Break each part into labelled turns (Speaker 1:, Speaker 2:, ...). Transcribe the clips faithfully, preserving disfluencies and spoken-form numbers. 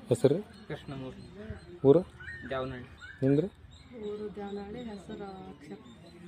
Speaker 1: ಹೆಸರು
Speaker 2: ಕೃಷ್ಣಮೂರ್ತಿ,
Speaker 1: ಊರು
Speaker 2: ಜಾವನಹಳ್ಳಿ.
Speaker 1: ನಿಮ್ದು?
Speaker 3: ಊರು ಜಾವನಹಳ್ಳಿ, ಹೆಸರು ಅಕ್ಷರ.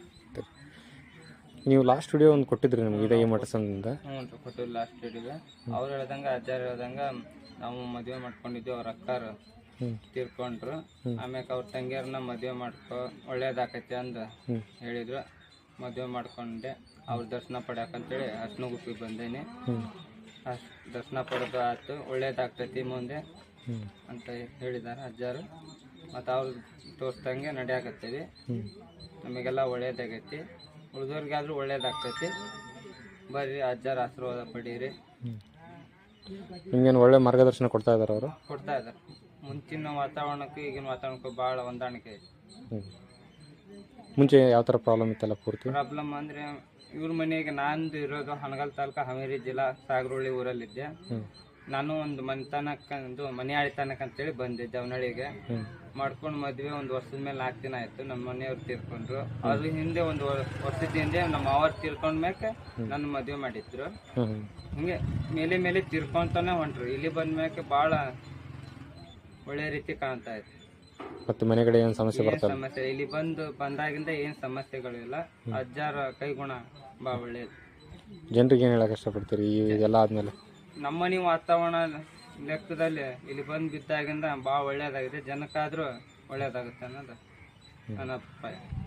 Speaker 1: ನೀವು ಲಾಸ್ಟ್ ವಿಡಿಯೋ ಒಂದು ಕೊಟ್ಟಿದ್ರಿ ನಮಗೆ ಇದೇ ಈ ಮಠ ಸಂಘದಿಂದ.
Speaker 2: ಹ್ಞೂ ರೀ, ಕೊಟ್ಟಿಲ್ಲ ಲಾಸ್ಟ್ ವಿಡಿಯೋಗೆ. ಅವ್ರು ಹೇಳ್ದಂಗೆ ಅಜ್ಜಾರು ಹೇಳ್ದಂಗೆ ನಾವು ಮದುವೆ ಮಾಡ್ಕೊಂಡಿದ್ವಿ. ಅವ್ರ ಅಕ್ಕಾರು ತೀರ್ಕೊಂಡ್ರು. ಆಮ್ಯಾಕೆ ಅವ್ರ ತಂಗಿಯರನ್ನ ಮದುವೆ ಮಾಡ್ಕೊ ಒಳ್ಳೇದಾಕೈತಿ ಅಂದು ಹೇಳಿದ್ರು. ಮದುವೆ ಮಾಡ್ಕೊಂಡೆ. ಅವ್ರ ದರ್ಶನ ಪಡ್ಯಾಕಂತೇಳಿ ಅರ್ಶಿನಗುಪ್ಪಿಗೆ ಬಂದೇನಿ. ಅಷ್ಟು ದರ್ಶನ ಪಡೆದು ಆಯ್ತು, ಒಳ್ಳೇದಾಗ್ತೈತಿ ಮುಂದೆ ಅಂತ ಹೇಳಿದ್ದಾರೆ ಅಜ್ಜಾರು. ಮತ್ತು ಅವ್ರು ತೋರಿಸ್ದಂಗೆ ನಡೆಯಾಕತ್ತೀವಿ. ನಮಗೆಲ್ಲ ಒಳ್ಳೇದಾಗೈತಿ, ಉಳಿದವ್ರಿಗಾದ್ರೂ ಒಳ್ಳೇದಾಗ್ತೈತಿ. ಬರ್ರಿ ಅಜ್ಜಾರ ಆಶೀರ್ವಾದ ಪಡೀರಿ.
Speaker 1: ನಿಮ್ಗೇನು ಒಳ್ಳೆ ಮಾರ್ಗದರ್ಶನ ಕೊಡ್ತಾ ಇದ್ದಾರೆ ಅವರು?
Speaker 2: ಕೊಡ್ತಾ ಇದ್ದಾರೆ. ಮುಂಚಿನ ವಾತಾವರಣಕ್ಕೂ ಈಗಿನ ವಾತಾವರಣಕ್ಕೂ ಭಾಳ ಹೊಂದಾಣಿಕೆ ಐತಿ.
Speaker 1: ಮುಂಚೆ ಯಾವ ಥರ ಪ್ರಾಬ್ಲಮ್ ಇತ್ತಲ್ಲ ಪೂರ್ತಿ?
Speaker 2: ಪ್ರಾಬ್ಲಮ್ ಅಂದರೆ ಇವ್ರ ಮನೆಗೆ ನಂದು ಇರೋದು ಹನಗಲ್ ತಾಲೂಕು, ಹಾವೇರಿ ಜಿಲ್ಲಾ, ಸಾಗರೋಳಿ ಊರಲ್ಲಿದ್ದೆ. ನಾನು ಒಂದು ಮನೆತನಕ್ಕಂದು ಮನೆ ಆಳಿತನಕ್ಕೆ ಅಂತೇಳಿ ಬಂದೆ ಜವನಹಳ್ಳಿಗೆ. ಮಾಡ್ಕೊಂಡು ಮದುವೆ ಒಂದು ವರ್ಷದ ಮೇಲೆ ನಾಲ್ಕು ದಿನ ಆಯಿತು. ನಮ್ಮ ಮನೆಯವ್ರು ತೀರ್ಕೊಂಡ್ರು. ಅದ್ರ ಹಿಂದೆ ಒಂದು ವರ್ಷದ ಹಿಂದೆ ನಮ್ಮ ಅವ್ರು ತೀರ್ಕೊಂಡ ಮ್ಯಾಕೆ ನನ್ನ ಮದುವೆ ಮಾಡಿದ್ರು. ಹಿಂಗೆ ಮೇಲೆ ಮೇಲೆ ತೀರ್ಕೊಂತಾನೆ ಹೊಂಟ್ರು. ಇಲ್ಲಿ ಬಂದ ಮ್ಯಾಕೆ ಭಾಳ ಒಳ್ಳೆ ರೀತಿ ಕಾಣ್ತಾ ಇತ್ತು.
Speaker 1: ಮತ್ತು ಮನೆ ಕಡೆ ಏನು ಸಮಸ್ಯೆ ಬರ್ತದೆ?
Speaker 2: ಸಮಸ್ಯೆ ಇಲ್ಲಿ ಬಂದು ಬಂದಾಗಿಂದ ಏನು ಸಮಸ್ಯೆಗಳು ಇಲ್ಲ. ಅಜ್ಜಾರ ಕೈಗುಣ ಭಾಳ ಒಳ್ಳೇದು.
Speaker 1: ಜನರಿಗೆ ಏನು ಹೇಳಕ್ಕೆ ಇಷ್ಟಪಡ್ತೀರಿ ಇದೆಲ್ಲ ಆದಮೇಲೆ?
Speaker 2: ನಮ್ಮನೆ ವಾತಾವರಣ ಲೆಕ್ಕದಲ್ಲಿ ಇಲ್ಲಿ ಬಂದು ಬಿದ್ದಾಗಿಂದ ಭಾಳ ಒಳ್ಳೇದಾಗಿದೆ. ಜನಕ್ಕಾದರೂ ಒಳ್ಳೇದಾಗುತ್ತೆ ಅನ್ನೋದು ನನ್ನ ಅಭಿಪ್ರಾಯ.